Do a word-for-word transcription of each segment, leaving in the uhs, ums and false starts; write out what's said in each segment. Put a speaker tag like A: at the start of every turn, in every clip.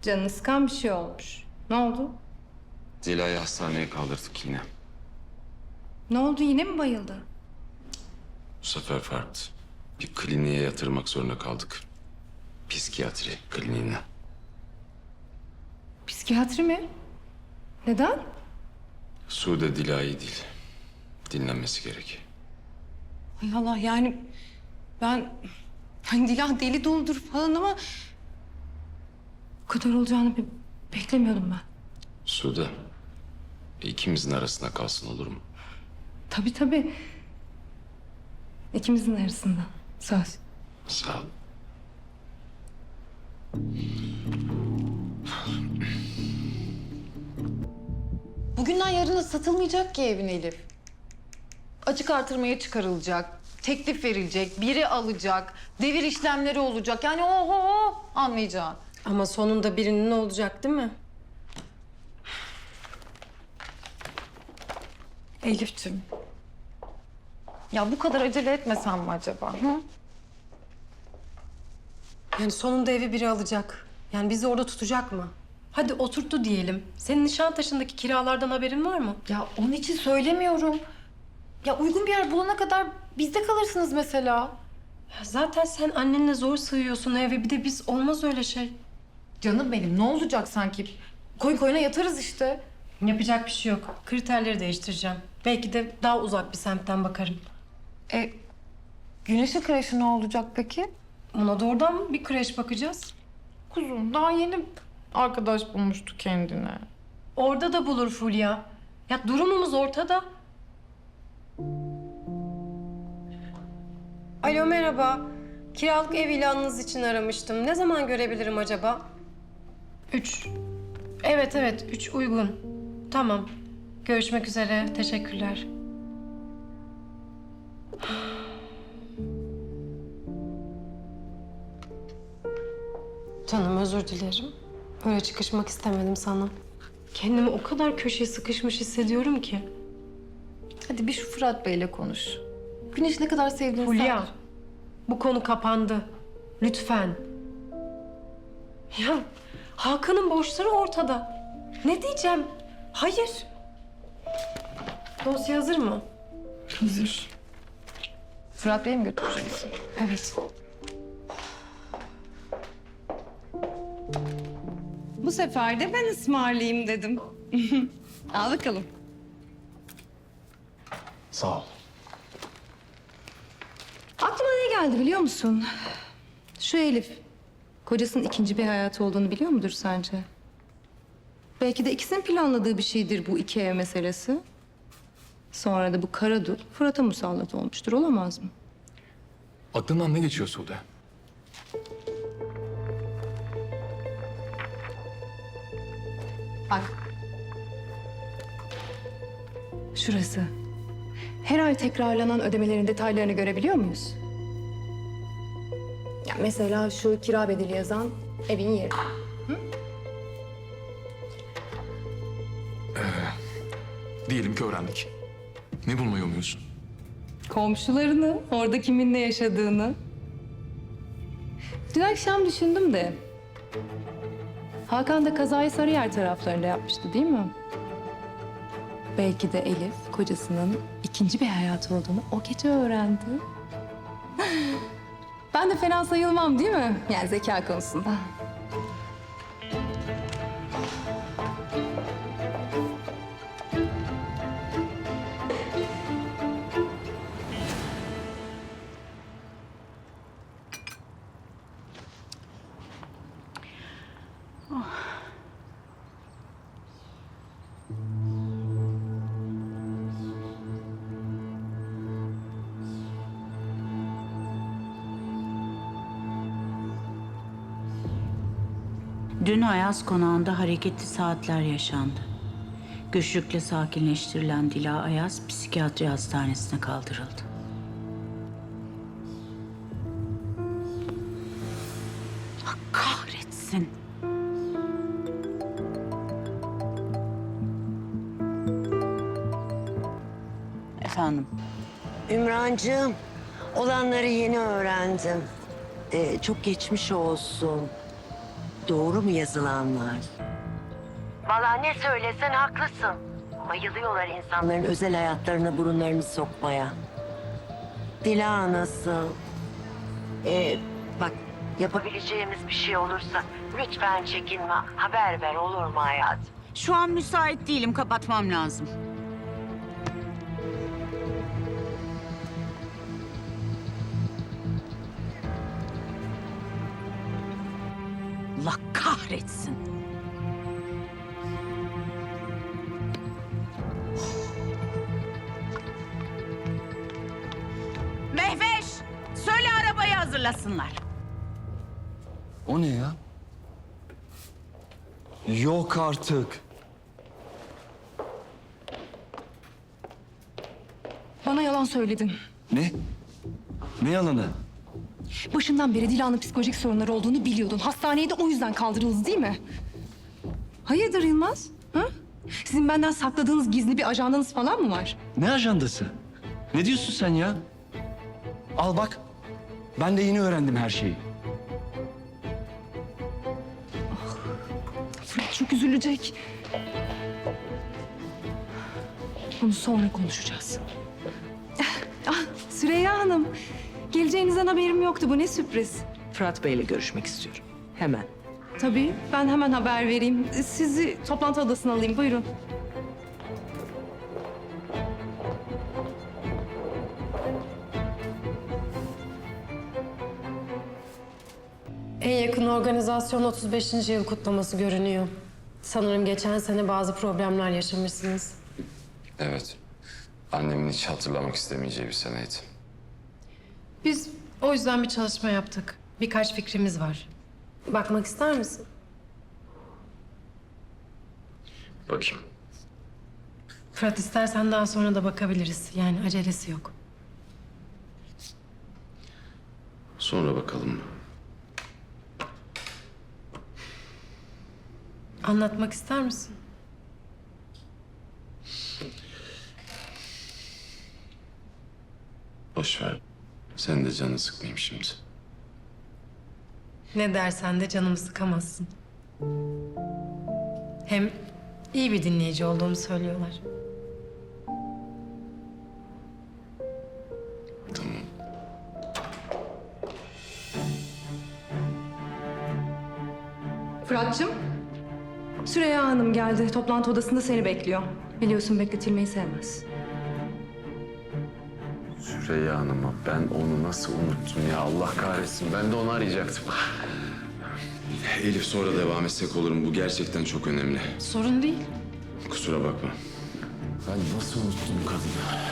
A: Canını sıkan bir şey olmuş. Ne oldu?
B: Dila'yı hastaneye kaldırdık yine.
A: Ne oldu, yine mi bayıldı?
B: Bu sefer farklı. Bir kliniğe yatırmak zorunda kaldık. Psikiyatri kliniğine.
A: Psikiyatri mi? Neden?
B: Sude Dila iyi değil. Dinlenmesi gerek.
A: Hay Allah, yani ben... Hani Dilan deli doludur falan ama... Bu kadar olacağını be- beklemiyordum ben.
B: Sude, ikimizin arasında kalsın olur mu?
A: Tabii tabii. İkimizin arasında. Söz.
B: Sağ ol.
C: Bugünden yarına satılmayacak ki evin Elif. Açık artırmaya çıkarılacak, teklif verilecek, biri alacak, devir işlemleri olacak. Yani oho anlayacağın.
D: Ama sonunda birinin olacak değil mi?
C: Elif'ciğim. Ya bu kadar acele etmesem mi acaba? Hı?
D: Yani sonunda evi biri alacak. Yani bizi orada tutacak mı? Hadi oturttu diyelim. Senin Nişantaşı'ndaki kiralardan haberin var mı?
C: Ya onun için söylemiyorum. Ya uygun bir yer bulana kadar bizde kalırsınız mesela.
D: Ya zaten sen annenle zor sığıyorsun eve. Bir de biz olmaz öyle şey.
C: Canım benim ne olacak sanki? Koy koyuna yatarız işte.
D: Yapacak bir şey yok. Kriterleri değiştireceğim. Belki de daha uzak bir semtten bakarım.
C: E, Güneş'in kreşi ne olacak peki?
D: Ona da oradan bir kreş bakacağız.
C: Kuzum daha yeni arkadaş bulmuştu kendine.
D: Orada da bulur Fulya. Ya durumumuz ortada. Alo merhaba. Kiralık ev ilanınız için aramıştım. Ne zaman görebilirim acaba? Üç. Evet evet üç uygun. Tamam. Görüşmek üzere. Teşekkürler. Canım özür dilerim. Öyle çıkışmak istemedim sana. Kendimi o kadar köşeye sıkışmış hissediyorum ki.
C: Hadi bir şu Fırat Bey'le konuş. Güneş ne kadar sevdiğini
D: Fulya,
C: sen-
D: bu konu kapandı. Lütfen. Ya Hakan'ın borçları ortada. Ne diyeceğim? Hayır. Dosya hazır mı?
C: Hazır. Fırat Bey'e mi götüreceksin?
D: Evet.
A: Bu sefer de ben ısmarlayayım dedim. Al bakalım.
E: Sağ ol.
A: Aklıma ne geldi biliyor musun? Şu Elif, kocasının ikinci bir hayatı olduğunu biliyor mudur sence? Belki de ikisinin planladığı bir şeydir bu iki ev meselesi. Sonra da bu Karadul Fırat'a musallat olmuştur, olamaz mı?
E: Aklından ne geçiyor Sude?
C: Bak.
A: Şurası. Her ay tekrarlanan ödemelerin detaylarını görebiliyor muyuz? Ya mesela şu kira bedeli yazan evin yeri.
E: Diyelim ki öğrendik. Ne bulmayı umuyorsun?
A: Komşularını, orada kiminle yaşadığını. Dün akşam düşündüm de... Hakan da kazayı Sarıyer taraflarında yapmıştı değil mi? Belki de Elif kocasının ikinci bir hayatı olduğunu o gece öğrendi. Ben de fena sayılmam değil mi? Yani zeka konusunda.
F: Dün Ayaz Konağı'nda hareketli saatler yaşandı. Güçlükle sakinleştirilen Dila Ayaz psikiyatri hastanesine kaldırıldı. Allah kahretsin. Efendim?
G: Ümrancığım, olanları yeni öğrendim. Ee, çok geçmiş olsun. Doğru mu yazılanlar? Vallahi ne söylesen haklısın. Bayılıyorlar insanların özel hayatlarına burunlarını sokmaya. Dila nasıl? Ee, bak yapabileceğimiz bir şey olursa lütfen çekinme. Haber ver olur mu hayatım?
F: Şu an müsait değilim, kapatmam lazım. Allah kahretsin. Mehveş, söyle arabayı hazırlasınlar.
H: O ne ya? Yok artık.
A: Bana yalan söyledin.
H: Ne? Ne yalanı?
A: Başından beri Dila'nın psikolojik sorunları olduğunu biliyordun. Hastaneye de o yüzden kaldırıldı değil mi? Hayırdır Yılmaz? Ha? Sizin benden sakladığınız gizli bir ajandanız falan mı var?
H: Ne ajandası? Ne diyorsun sen ya? Al bak. Ben de yeni öğrendim her şeyi.
A: Fırat çok üzülecek. Bunu sonra konuşacağız. Ah, Süreyya Hanım. Geleceğinizden haberim yoktu. Bu ne sürpriz.
I: Fırat Bey'le görüşmek istiyorum. Hemen.
A: Tabii. Ben hemen haber vereyim. Sizi toplantı odasına alayım. Buyurun.
D: En yakın organizasyon otuz beşinci yıl kutlaması görünüyor. Sanırım geçen sene bazı problemler yaşamışsınız.
B: Evet. Annemin hiç hatırlamak istemeyeceği bir seneydi.
D: Biz o yüzden bir çalışma yaptık. Birkaç fikrimiz var. Bakmak ister misin?
B: Bakayım.
D: Fırat istersen daha sonra da bakabiliriz. Yani acelesi yok.
B: Sonra bakalım.
D: Anlatmak ister misin?
B: Boş ver. Sen de canını sıkmayayım şimdi.
D: Ne dersen de canımı sıkamazsın. Hem iyi bir dinleyici olduğumu söylüyorlar.
B: Tamam.
A: Fırat'cığım. Süreyya Hanım geldi. Toplantı odasında seni bekliyor. Biliyorsun bekletilmeyi sevmez.
B: Süreyya Hanım'a ben onu nasıl unuttum ya Allah kahretsin. Ben de onu arayacaktım. Elif sonra devam etsek olur mu? Bu gerçekten çok önemli.
C: Sorun değil.
B: Kusura bakma. Ben nasıl unuttum kadını?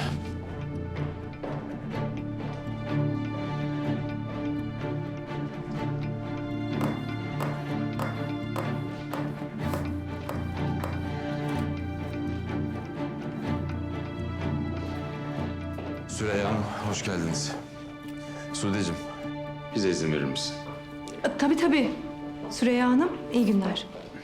B: Süreyya Hanım, hoş geldiniz. Sude'cim, bize izin verir misin?
A: E, Tabii tabii. Süreyya Hanım, iyi günler.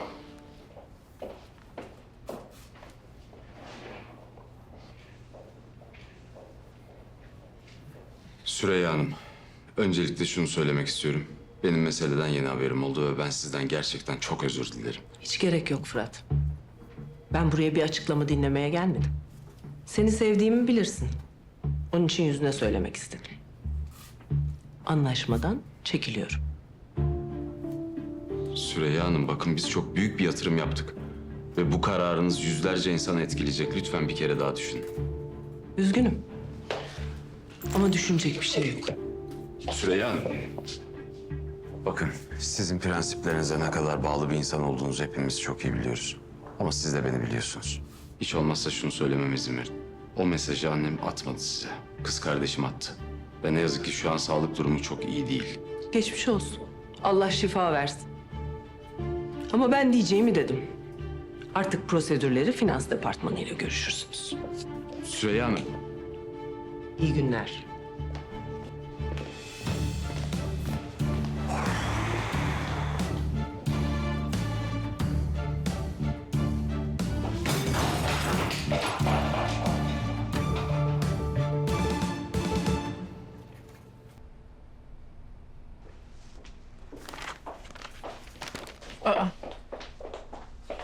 B: Süreyya Hanım, öncelikle şunu söylemek istiyorum. Benim meseleden yeni haberim oldu ve ben sizden gerçekten çok özür dilerim.
I: Hiç gerek yok Fırat. Ben buraya bir açıklama dinlemeye gelmedim. Seni sevdiğimi bilirsin. Onun için yüzüne söylemek istedim. Anlaşmadan çekiliyorum.
B: Süreyya Hanım, bakın biz çok büyük bir yatırım yaptık. Ve bu kararınız yüzlerce insanı etkileyecek. Lütfen bir kere daha düşünün.
I: Üzgünüm. Ama düşünecek bir şey yok.
B: Süreyya Hanım. Bakın, sizin prensiplerinize ne kadar bağlı bir insan olduğunuzu hepimiz çok iyi biliyoruz. Ama siz de beni biliyorsunuz. Hiç olmazsa şunu söylememe izin verin. O mesajı annem atmadı size. Kız kardeşim attı. Ve ne yazık ki şu an sağlık durumu çok iyi değil.
I: Geçmiş olsun. Allah şifa versin. Ama ben diyeceğimi dedim. Artık prosedürleri finans departmanıyla görüşürsünüz.
B: Süreyya Hanım.
I: İyi günler.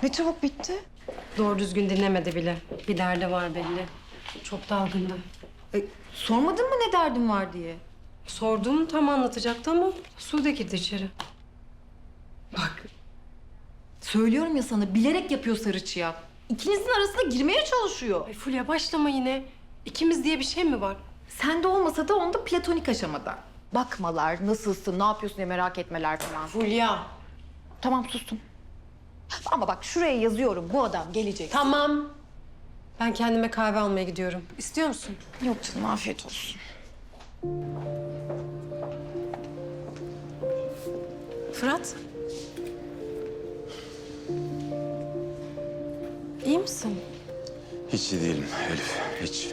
C: Ne çabuk bitti.
D: Doğru düzgün dinlemedi bile. Bir derdi var belli. Çok dalgındı.
C: E, sormadın mı ne derdin var diye?
D: Sordum, tam anlatacaktı ama Sude girdi içeri.
C: Bak. Söylüyorum ya sana, bilerek yapıyor sarıçıya. İkinizin arasına girmeye çalışıyor.
D: Ay Fulya başlama yine. İkimiz diye bir şey mi var?
C: Sende olmasa da onda platonik aşamada. Bakmalar, nasılsın, ne yapıyorsun diye merak etmeler falan.
D: Fulya.
C: Tamam sustum. Ama bak şuraya yazıyorum, bu adam gelecek.
D: Tamam. Ben kendime kahve almaya gidiyorum. İstiyor musun?
C: Yok canım, afiyet olsun.
D: Fırat. İyi misin?
B: Hiç iyi değilim Elif, hiç.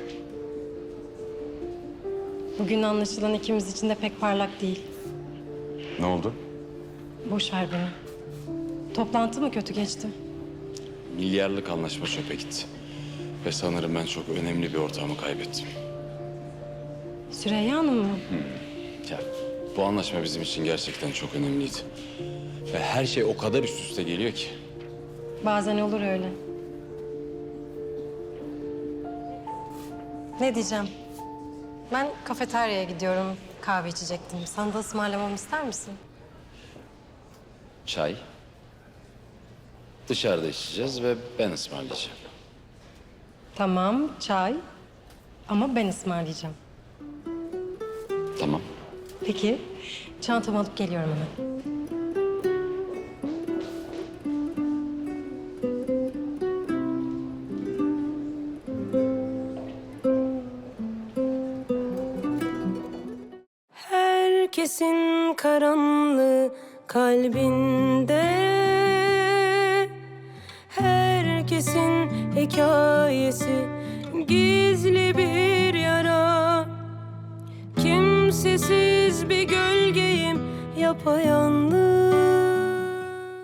D: Bugün anlaşılan ikimiz için de pek parlak değil.
B: Ne oldu?
D: Boş ver beni. Toplantı mı kötü geçti?
B: Milyarlık anlaşma çöpe gitti. Ve sanırım ben çok önemli bir ortağımı kaybettim.
D: Süreyya Hanım mı?
B: Ya bu anlaşma bizim için gerçekten çok önemliydi. Ve her şey o kadar üst üste geliyor ki.
D: Bazen olur öyle. Ne diyeceğim? Ben kafeteryaya gidiyorum. Kahve içecektim. Sana da ısmarlamamı ister misin?
B: Çay. Dışarıda içeceğiz ve ben ısmarlayacağım.
D: Tamam, çay. Ama ben ısmarlayacağım.
B: Tamam.
D: Peki, çantamı alıp geliyorum hemen.
J: Herkesin karanlığı kalbinde, herkesin hikayesi gizli bir yara. Kimsesiz bir gölgeyim, yapayalnız.